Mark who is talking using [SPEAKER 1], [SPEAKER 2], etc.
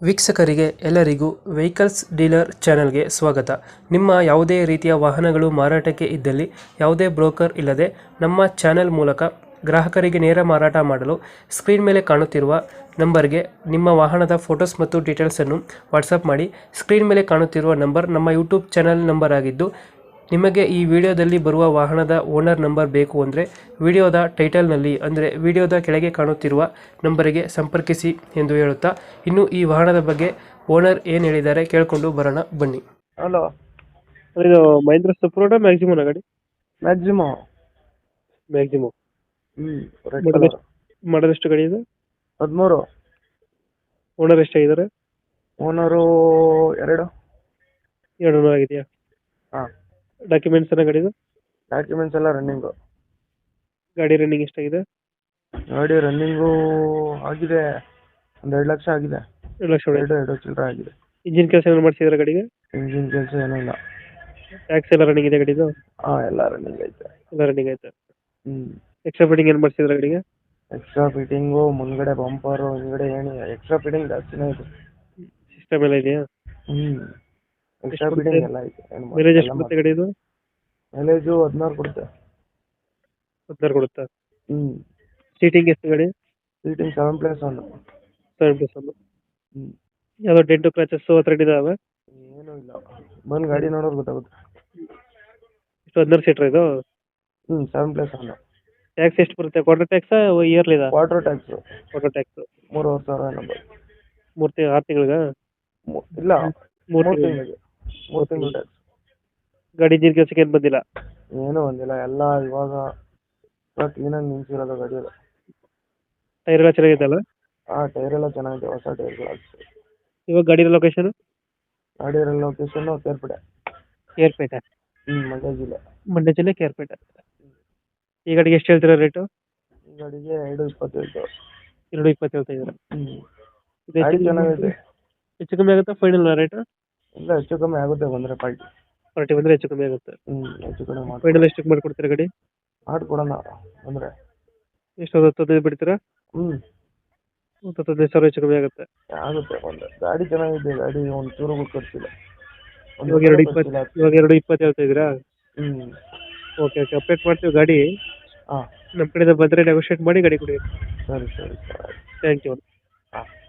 [SPEAKER 1] ವೀಕ್ಷಕರಿಗೆ ಎಲ್ಲರಿಗೂ vehicles dealer ಚಾನೆಲ್ಗೆ ಸ್ವಾಗತ. ನಿಮ್ಮ ಯಾವುದೇ ರೀತಿಯ ವಾಹನಗಳು ಮಾರಾಟಕ್ಕೆ ಇದ್ದಲ್ಲಿ ಯಾವುದೇ ಬ್ರೋಕರ್ ಇಲ್ಲದೆ ನಮ್ಮ ಚಾನೆಲ್ ಮೂಲಕ ಗ್ರಾಹಕರಿಗೆ ನೇರ ಮಾರಾಟ ಮಾಡಲು ಸ್ಕ್ರೀನ್ ಮೇಲೆ ಕಾಣುತ್ತಿರುವ ನಂಬರ್ಗೆ ನಿಮ್ಮ ವಾಹನದ ಫೋಟೋಸ್ ಮತ್ತು ಡೀಟೇಲ್ಸನ್ನು ವಾಟ್ಸಪ್ ಮಾಡಿ. ಸ್ಕ್ರೀನ್ ಮೇಲೆ ಕಾಣುತ್ತಿರುವ ನಂಬರ್ ನಮ್ಮ ಯೂಟ್ಯೂಬ್ ಚಾನೆಲ್ ನಂಬರ್ ಆಗಿದ್ದು, ನಿಮಗೆ ಈ ವಿಡಿಯೋದಲ್ಲಿ ಬರುವ ವಾಹನದ ಓನರ್ ನಂಬರ್ ಬೇಕು ಅಂದರೆ ವಿಡಿಯೋದ ಟೈಟಲ್ನಲ್ಲಿ ಅಂದರೆ ವಿಡಿಯೋದ ಕೆಳಗೆ ಕಾಣುತ್ತಿರುವ ನಂಬರಿಗೆ ಸಂಪರ್ಕಿಸಿ ಎಂದು ಹೇಳುತ್ತಾ, ಇನ್ನು ಈ ವಾಹನದ ಬಗ್ಗೆ ಓನರ್ ಏನು ಹೇಳಿದ್ದಾರೆ ಕೇಳಿಕೊಂಡು ಬರೋಣ ಬನ್ನಿ.
[SPEAKER 2] ಹಲೋ.
[SPEAKER 1] ಇದು ಮಹೇಂದ್ರ ಸಪ್ರೋಟ ಮ್ಯಾಕ್ಸಿಮಮ್ ಗಾಡಿ
[SPEAKER 2] ಮ್ಯಾಕ್ಸಿಮೋ.
[SPEAKER 1] Maximum
[SPEAKER 2] red colour.
[SPEAKER 1] ಮಾಡೋದೆಷ್ಟು ಗಾಡಿ ಇದೆ?
[SPEAKER 2] 13.
[SPEAKER 1] ಓನರ್ ಎಷ್ಟಾಗಿದ್ದಾರೆ?
[SPEAKER 2] ಓನರು 2.
[SPEAKER 1] ಎರಡು ಆಗಿದೆಯಾ?
[SPEAKER 2] ಹಾಂ.
[SPEAKER 1] ಡಾಕ್ಯುಮೆಂಟ್ಸ್ ಎಲ್ಲ ಗಾಡಿದು?
[SPEAKER 2] ಡಾಕ್ಯುಮೆಂಟ್ಸ್ ಎಲ್ಲ ರನ್ನಿಂಗು.
[SPEAKER 1] ಗಾಡಿ ರನ್ನಿಂಗ್ ಎಷ್ಟಾಗಿದೆ?
[SPEAKER 2] ಗಾಡಿ ರನ್ನಿಂಗು ಆಗಿದೆ, ಒಂದು 2 ಲಕ್ಷ ಆಗಿದೆ.
[SPEAKER 1] 2 ಲಕ್ಷ.
[SPEAKER 2] 2 ಚಿಲ್ಲರೆ ಆಗಿದೆ.
[SPEAKER 1] ಇಂಜಿನ್ ಕೆಲಸ ಏನು ಮಾಡಿಸಿದ್ರೆ ಗಾಡಿಗೆ?
[SPEAKER 2] ಇಂಜಿನ್ ಕೆಲಸ ಏನೂ ಇಲ್ಲ.
[SPEAKER 1] ಟ್ಯಾಕ್ಸ್ ಎಲ್ಲ ರನ್ನಿಂಗ್ ಇದೆ ಗಾಡಿದು?
[SPEAKER 2] ಹಾಂ, ಎಲ್ಲ ರನ್ನಿಂಗ್ ಐತೆ.
[SPEAKER 1] ಎಲ್ಲ ರನ್ನಿಂಗ್ ಆಯ್ತು.
[SPEAKER 2] ಹ್ಞೂ.
[SPEAKER 1] ಎಕ್ಸ್ಟ್ರಾ ಫಿಟ್ಟಿಂಗ್ ಏನು ಮಾಡಿಸಿದ್ರೆ ಗಾಡಿಗೆ?
[SPEAKER 2] ಎಕ್ಸ್ಟ್ರಾ ಫಿಟ್ಟಿಂಗು, ಮುಂದ್ಗಡೆ ಬಂಪರು, ಹಿಂದ್ಗಡೆ ಏಣಿ, ಎಕ್ಸ್ಟ್ರಾ ಫಿಟ್ಟಿಂಗ್ ಜಾಸ್ತಿನೇ ಇದೆ.
[SPEAKER 1] ಸಿಸ್ಟಮ್ ಎಲ್ಲ ಇದೆಯಾ?
[SPEAKER 2] ಹ್ಞೂ. ಎಕ್ಸ್ಟ್ರಾ ಫಿಟ್ಟಿಂಗ್ ಎಲ್ಲ ಐತೆ.
[SPEAKER 1] ಮೈಲೇಜ್ ಎಷ್ಟು ಬರುತ್ತೆ ಗಾಡಿದು?
[SPEAKER 2] ಮೈಲೇಜು 16 ಕೊಡುತ್ತೆ.
[SPEAKER 1] 16 ಕೊಡುತ್ತಾ?
[SPEAKER 2] ಹ್ಞೂ.
[SPEAKER 1] ಸೀಟಿಂಗ್ ಎಷ್ಟು ಗಾಡಿ?
[SPEAKER 2] ಸೀಟಿಂಗ್ 7+1.
[SPEAKER 1] 7+1.
[SPEAKER 2] ಹ್ಞೂ.
[SPEAKER 1] ಯಾವುದೋ ಡೆಂಟು ಕ್ರಾಚಸ್ ಹತ್ರ ಇದಾವೆ?
[SPEAKER 2] ಏನೂ ಇಲ್ಲ, ಬಂದು ಗಾಡಿ ನೋಡೋರು ಗೊತ್ತಾಗುತ್ತೆ.
[SPEAKER 1] ಇಷ್ಟು 16 ಸೀಟ್ರ್ ಇದು?
[SPEAKER 2] 7+1.
[SPEAKER 1] ಟ್ಯಾಕ್ಸ್ ಎಷ್ಟು ಬರುತ್ತೆ? ಕ್ವಾರ್ಟರ್ ಟ್ಯಾಕ್ಸ್ ಇಯರ್ಲಿ ಇದೆ?
[SPEAKER 2] ವಾಟರ್ ಟ್ಯಾಕ್ಸು
[SPEAKER 1] ಕ್ವಾರ್ಟರ್ ಟ್ಯಾಕ್ಸ್
[SPEAKER 2] 3,500 ಏನೋ.
[SPEAKER 1] 6 ತಿಂಗಳಿಗೆ?
[SPEAKER 2] ಇಲ್ಲ,
[SPEAKER 1] 3
[SPEAKER 2] ತಿಂಗಳಿಗೆ. 3 ತಿಂಗಳು ಟ್ಯಾಕ್ಸ್.
[SPEAKER 1] ಗಾಡಿ ಇಂಜಿನ್ ಕೆಲಸಕ್ಕೆ ಏನು ಬಂದಿಲ್ಲ?
[SPEAKER 2] ಏನೂ ಬಂದಿಲ್ಲ, ಎಲ್ಲ ಇವಾಗ ಕ್ಲೀನಾಗಿ ನಿಲ್ಸಿರೋದು ಗಾಡಿಯಲ್ಲಿ.
[SPEAKER 1] ಟೈರ್ ಎಲ್ಲ ಚೆನ್ನಾಗಿದೆಯಲ್ಲ?
[SPEAKER 2] ಟೈರ್ ಎಲ್ಲ ಚೆನ್ನಾಗಿದೆ, ಹೊಸ ಟೈರ್ಗಳು ಹಾಕ್ಸಿ.
[SPEAKER 1] ಇವಾಗ ಗಾಡಿ ಲೊಕೇಶನ್?
[SPEAKER 2] ಗಾಡಿ ಲೊಕೇಶನ್ನು ಕೇರ್ಪೇಟೆ.
[SPEAKER 1] ಕೇರ್ಪೇಟೆ?
[SPEAKER 2] ಮಂಡ್ಯ ಜಿಲ್ಲೆ.
[SPEAKER 1] ಮಂಡ್ಯ ಜಿಲ್ಲೆ ಕೇರ್ಪೇಟೆ. ಈ ಗಾಡಿಗೆ ಎಷ್ಟು ಹೇಳ್ತೀರಾ ರೇಟು?
[SPEAKER 2] ಈ ಗಾಡಿಗೆ 2,20.
[SPEAKER 1] 2,20 ಹೇಳ್ತಾ ಇದ್ದೀರಾ?
[SPEAKER 2] ಗಾಡಿ ಚೆನ್ನಾಗಿದೆ.
[SPEAKER 1] ಹೆಚ್ಚು ಕಮ್ಮಿ ಆಗುತ್ತಾ ಫೈನಲ್ ರೇಟು?
[SPEAKER 2] ಇಲ್ಲ, ಹೆಚ್ಚು ಕಮ್ಮಿ ಆಗುತ್ತೆ ಬಂದರೆ
[SPEAKER 1] ಪಾರ್ಟಿ ಬಂದರೆ ಹೆಚ್ಚು ಕಮ್ಮಿ ಆಗುತ್ತೆ.
[SPEAKER 2] ಹೆಚ್ಚು ಕಮ್ಮಿ ಮಾಡಿ.
[SPEAKER 1] ಫೈನಲ್ ಎಷ್ಟಕ್ಕೆ ಮಾಡಿಕೊಡ್ತೀರಾ ಗಾಡಿ?
[SPEAKER 2] ಮಾಡಿಕೊಡೋಣ ಅಂದರೆ.
[SPEAKER 1] ಎಷ್ಟು, 10-15 ಬಿಡ್ತೀರಾ? 10-15 ಸಾವಿರ ಹೆಚ್ಚು ಕಮ್ಮಿ ಆಗುತ್ತೆ.
[SPEAKER 2] ಆಗುತ್ತೆ ಒಂದು. ಗಾಡಿ ಚೆನ್ನಾಗಿದೆ, ಗಾಡಿ ಒಂದು ಚೂರು ಖರ್ಚಿಲ್ಲ.
[SPEAKER 1] ಇವಾಗ 2,20 ಹೇಳ್ತಾ ಇದ್ದೀರಾ? ಓಕೆ ಅಪ್ಡೇಟ್ ಮಾಡ್ತೀವಿ ಗಾಡಿ.
[SPEAKER 2] ಹಾಂ.
[SPEAKER 1] ನಮ್ಮ ಕಡೆಯಿಂದ ಬಂದರೆ ನೆಗೋಷಿಯೇಟ್ ಮಾಡಿ ಗಾಡಿ ಕೊಡಿ.
[SPEAKER 2] ಸರಿ.
[SPEAKER 1] Thank you.
[SPEAKER 2] ಹಾಂ.